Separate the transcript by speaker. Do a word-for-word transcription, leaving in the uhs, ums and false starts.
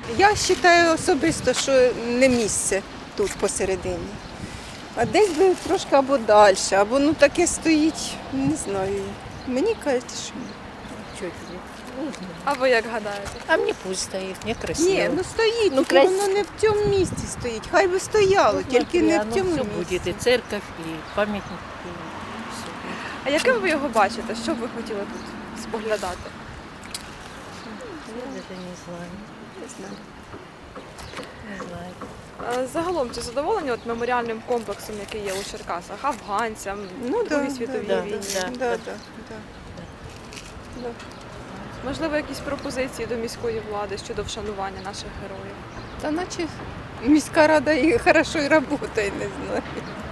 Speaker 1: Я вважаю особисто, що не місце тут посередині. А десь би трошки або далі, або ну таке стоїть, не знаю. Мені кажуть, що ні.
Speaker 2: Чё тебе?
Speaker 3: А ви як гадаєте?
Speaker 2: А мне пусть стоит, мне красиво.
Speaker 1: Ні, ну стоїть,
Speaker 2: Ну,
Speaker 1: тільки
Speaker 2: красиво.
Speaker 1: воно не в цьому місці стоїть. Хай би стояло, тільки не в цьому
Speaker 2: все
Speaker 1: місці.
Speaker 2: будет, и церковь, и памятник, и все.
Speaker 3: А яким ви його бачите? Що б ви хотіли тут споглядати?
Speaker 2: Я даже не знаю,
Speaker 1: Не знаю.
Speaker 2: не знаю.
Speaker 3: Е, Загалом, чи задоволені от меморіальним комплексом, який є у Черкасах, афганцям,
Speaker 1: Ну
Speaker 3: Другій
Speaker 1: да,
Speaker 3: світовій
Speaker 2: да,
Speaker 3: війні?
Speaker 1: Да,
Speaker 2: да.
Speaker 1: да, да. Да.
Speaker 3: Можливо, якісь пропозиції до міської влади щодо вшанування наших героїв?
Speaker 1: Та наче міська рада і хорошо і працює, не знаю.